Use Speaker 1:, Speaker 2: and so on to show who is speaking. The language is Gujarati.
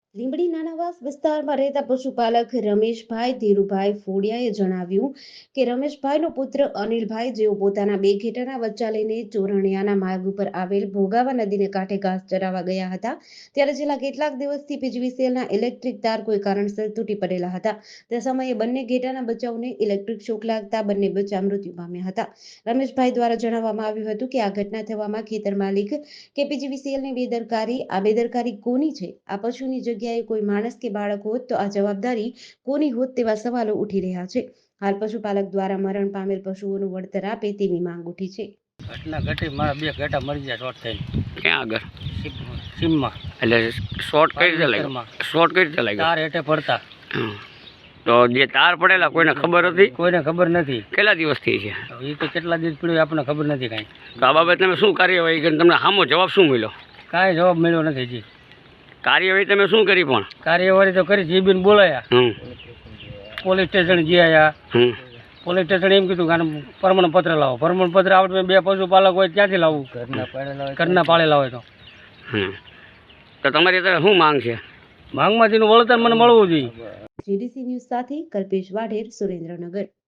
Speaker 1: લીંબડી નાનાવાસ વિસ્તારમાં રહેતા પશુપાલક રમેશભાઈ ધીરુભાઈ ફોડિયાએ જણાવ્યું કે રમેશભાઈનો પુત્ર અનિલભાઈ જેઓ પોતાના બે ઘેટાના બચ્ચા લઈને ચોરણિયાના માર્ગ ઉપર આવેલ ભોગાવા નદીને કાંઠે ઘાસ ચરાવવા ગયા હતા ત્યારે છેલ્લા કેટલાક દિવસથી પીજીવીસીએલના ઇલેક્ટ્રિક તાર કોઈ કારણસર તૂટી પડેલા હતા તે સમયે બંને ઘેટાના બચ્ચાઓને ઇલેક્ટ્રિક શોક લાગતા બંને બચ્ચા મૃત્યુ પામ્યા હતા રમેશભાઈ દ્વારા જણાવવામાં આવ્યું હતું કે આ ઘટના થવામાં ખેતર માલિક કે પીજીવીસીએલની બેદરકારી કોની છે? આ પશુની જગ્યાએ કોઈ માણસ કે બાળક હોત તો આ જવાબદારી કોની હોત તેવા સવાલો ઉઠી રહ્યા છે હાલ પશુપાલક દ્વારા મરણ પામેલ પશુઓનું વળતર આપે તેવી માંગ ઉઠી છે
Speaker 2: ઘટના ઘટી મારા બે ઘેટા મરી ગયા શોર્ટ થઈને
Speaker 3: ક્યાં આગળ
Speaker 2: સીમમાં
Speaker 3: એટલે શોર્ટ કઈ રીતે લાગ્યો શોર્ટ કઈ રીતે લાગ્યો
Speaker 2: તાર હેઠે પડતા
Speaker 3: તો જે તાર પડેલા કોઈને ખબર હતી
Speaker 2: કોઈને ખબર નથી
Speaker 3: કેટલા દિવસથી છે
Speaker 2: એ તો કેટલા દિવસ પડ્યું આપણને ખબર નથી કાંઈ
Speaker 3: તો આ બાબતે તમે શું કાર્યવાહી કરી તમને સામો જવાબ શું મળ્યો
Speaker 2: કાંઈ જવાબ મળ્યો નથી જી
Speaker 3: કાર્યવાહી તમે શું કરી પણ
Speaker 2: કાર્યવાહી તો કરી જીબીને બોલાયા પોલીસ સ્ટેશન ગયા પોલીસ સ્ટેશન એમ કીધું કે પ્રમાણપત્ર લાવો પ્રમાણપત્ર આપણે બે પશુપાલક હોય ત્યાંથી લાવવું ઘરના પાળેલા હોય
Speaker 3: તો તમારી અત્યારે શું માંગ છે
Speaker 2: માંગમાં તેનું વળતર મને મળવું જોઈએ
Speaker 1: જીડીસી ન્યૂઝ સાથે કલ્પેશ વાઢેર સુરેન્દ્રનગર।